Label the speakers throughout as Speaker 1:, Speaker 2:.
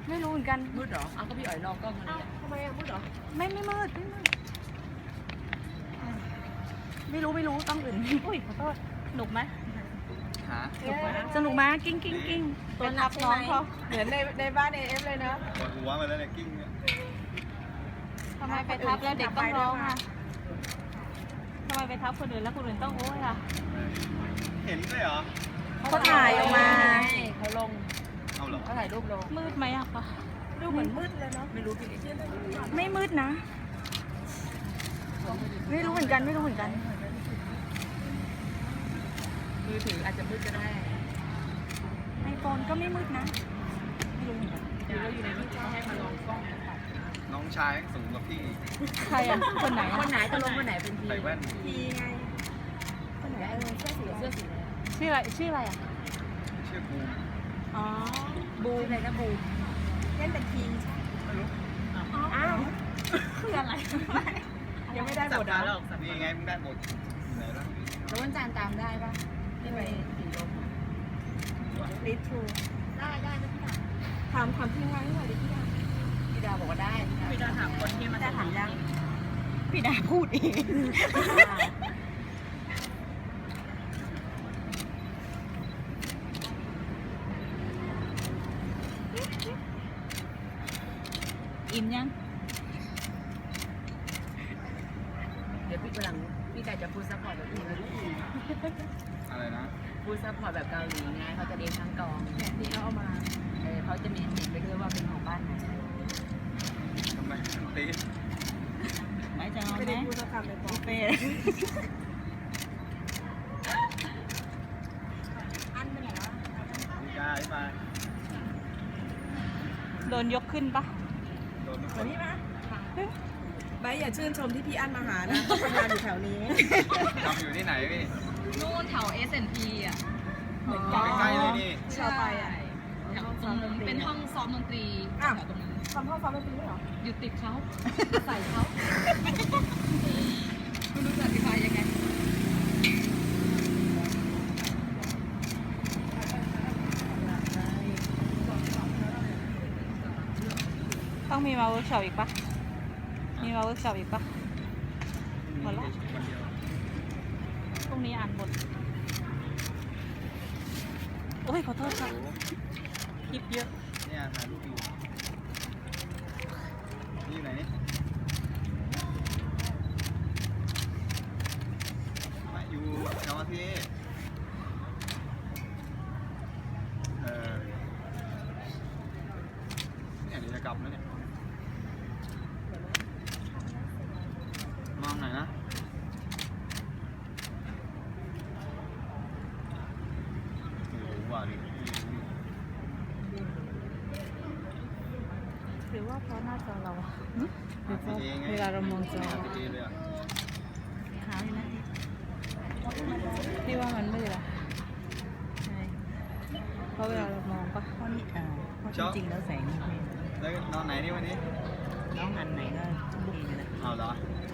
Speaker 1: ไม่รู้เหมือนกัน
Speaker 2: มืดเหรอเอาก็พี่อ๋อยลองกล้องอะไรอ่ะทำไมอ่ะมืดเหรอ
Speaker 1: ไม่มืดไม่รู้ต้องอื่นอุ้ยขอโทษสนุกไหม
Speaker 3: หา
Speaker 1: สนุกไหมกิ้งตัวนับน้องเขา
Speaker 2: เหมือนในบ้านAFเลยนะ
Speaker 3: ปวดหัวมาแล้วเนี่ยกิ้งเนี่ย
Speaker 1: ทำไมไปทับแล้วเด็กต้องร้องอ่ะทำไมไปทับคนอื่นแล้วคนอื่นต้องโอ้ยอ่ะ
Speaker 3: เห็นด้วยเหรอ
Speaker 1: เขาถ่ายออกมา
Speaker 2: เขาลง
Speaker 3: เอาเหรอ
Speaker 2: เขาถ่ายรูปลง
Speaker 1: มืดไหมอะคะ
Speaker 2: ดูเหมือนมืดเลยเนาะไม่รู้พี่
Speaker 1: ไม่มืดนะ ไม่รู้เหมือนกัน
Speaker 2: มือถืออาจจะมืดก็ได้
Speaker 1: ไอโฟนก็ไม่มืดนะไม่รู้เหมือนกัน
Speaker 2: หรือเราอยู่ในที่เขาให้มาลองกล้องกัน
Speaker 3: น้องชายสูงกว่าพี่
Speaker 1: ใครอะคนไหน
Speaker 2: คนไหนจะลงคนไหนเป็นที
Speaker 3: ใส่แว่น
Speaker 2: ทีไงคนไหนเสื้อสี
Speaker 1: ชื่ออะไรอะ
Speaker 3: ชื่อบูม
Speaker 1: อ๋อ
Speaker 2: บูอะไรนะบูเล่นเป็นทีม
Speaker 3: ไม่รู้
Speaker 2: อ้าว
Speaker 1: คืออะไร
Speaker 2: ยังไม่ได้บทอ่ะ
Speaker 3: นี่ไงมึงได้หมดไหนล่ะ
Speaker 2: แล้ววันจานตามได้ปะที่ไปสีลมลิทรูได้นะพี่ดาถามทีมงานให้หน่อยดิพี่ดาบอกว่าได้พี่ดาถามคนที่มาถามยัง
Speaker 1: พี่ดาพูดเองอิ่มยัง
Speaker 2: เดี๋ยวพี่กำลังพี่ไก่จะพูดซัพพอร์ตแบบอื่น
Speaker 3: อะไรนะ
Speaker 2: พูดซัพพอร์ตแบบเกาหลีไงเขาจะเรียนทั้งกองเนี่ยที่เขาเอามาเขาจะมีติดไปด้วยว่าเป็นของบ้านไหน
Speaker 3: ทำไมมันตี
Speaker 1: ไหนจะเอาไหม
Speaker 2: ไม่ได้พูดสักคำเลยปอ
Speaker 1: เป้
Speaker 2: อันเป็นไงวะ
Speaker 3: มีกาใช่ไหม
Speaker 1: โดนยกขึ้นปะ
Speaker 3: โดนทุกค
Speaker 2: เหมือน
Speaker 3: น
Speaker 2: นี่ปะใบอย่าชื่นชมที่พี่อั้นมาหานะทำงานอยู่แถวนี้
Speaker 3: ทำอยู่ที่ไหนพี่
Speaker 4: นู่นแถว S&P อ่ะ
Speaker 2: เหมือน
Speaker 3: อ
Speaker 2: กั
Speaker 3: ยู่
Speaker 2: น
Speaker 3: ใกล้ๆเลยนี่
Speaker 2: ชาวไปอ่ะ
Speaker 4: แถวตรงนั้นเป็นห้องซ้อมดนตรีแถวตรงนั้น
Speaker 2: ทำห้องซ้อมดนตรีด้วยเหรอ
Speaker 4: อยู่ติดเขา ใส่เขาไม่รู้จะอธิบายยังไง
Speaker 1: ต้องมีมาเวิร์กช็อปอีกปะมีมาเวิร์กช็อปอีกปะ หมดละ
Speaker 3: คนเดียว
Speaker 1: พรุ่งนี้อ่านบทโอ้ยขอโทษครับ
Speaker 3: โอ้โห
Speaker 1: คลิปเยอะ
Speaker 3: เนี่ยถ่ายรูปอยู่นี่อยู่ไหนนี่มาอยู่แถวที่เนี่ยเดี๋ยวจะกลับแล้วเนี่ยมองไหนอยนะโอ้โหว่าดิ
Speaker 1: หรือว่าเพราะหน้าจอเราอะ
Speaker 3: หาพี่เองไง
Speaker 1: เวลาเรามองจอ
Speaker 3: หาพี่เอเลยอ่ะ
Speaker 1: หาเลยนะพี่ว่ามันมืดอะใช่เพราะเวลาเรามองปะ
Speaker 5: เพราะนี่เพราะจริงๆแล้วแสงนี่ไม่
Speaker 3: แล้วนอนไหนนี่วันนี้
Speaker 5: น้องอันไหนก็ลูกนี่นะ
Speaker 3: เอาเหรอ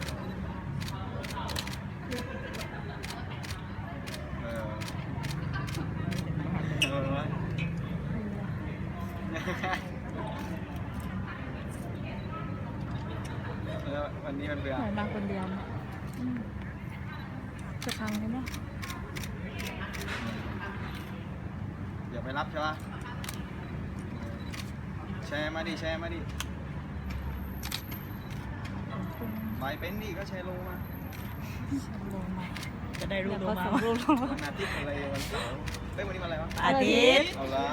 Speaker 3: เออเออวะแล้ววันนี้มันเบื่อ
Speaker 1: เหมือนมาคนเดียวอืมจะพังไหมเนี่ย
Speaker 3: เดี๋ยวไปรับใช่ปะแชร์มาดิแชร์มาดิไปเป็นดิก็แชร์ลงมา
Speaker 1: ลงมา
Speaker 5: จะได้รู้
Speaker 1: แล้ว
Speaker 5: ตัว
Speaker 1: ก็
Speaker 5: มา
Speaker 1: ส่งรูปลงมา
Speaker 3: วันอาทิตย์อะไรวันเสาร์เฮ้ยวันนี้วันอะไรวะ
Speaker 5: อาทิตย์
Speaker 3: เอาละ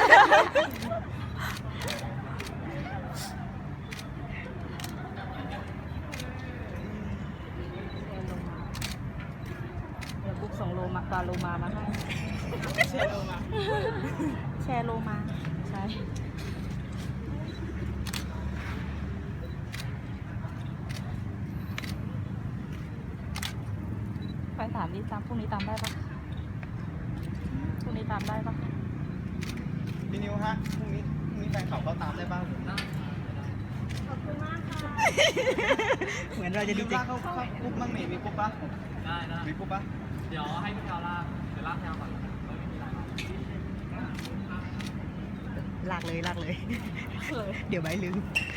Speaker 1: เดี๋ยวบุ๊กส่งโลมาปลาโลมามาให้แชร์โลมาใช่ไปถามดิตามพรุ่งนี้ตามได้ปะพรุ่งนี้ตามได้ปะ
Speaker 3: พี่นิวฮะพรุ่งนี้แฟนเขาตามได้บ้าง
Speaker 5: เหมือนเราจะ
Speaker 3: จะ
Speaker 5: ดี
Speaker 3: ดู
Speaker 5: ใจ
Speaker 3: ลากเขากรุ๊ปบ้างนี่มีกรุ๊ปปะ
Speaker 6: ได้ได้
Speaker 3: มีกรุ๊ปปะ
Speaker 6: เดี๋ยวให้พี่แพลวลากเดี๋ยวลากแพลวก่อน
Speaker 5: รลากเลย เดี๋ยวใบลืม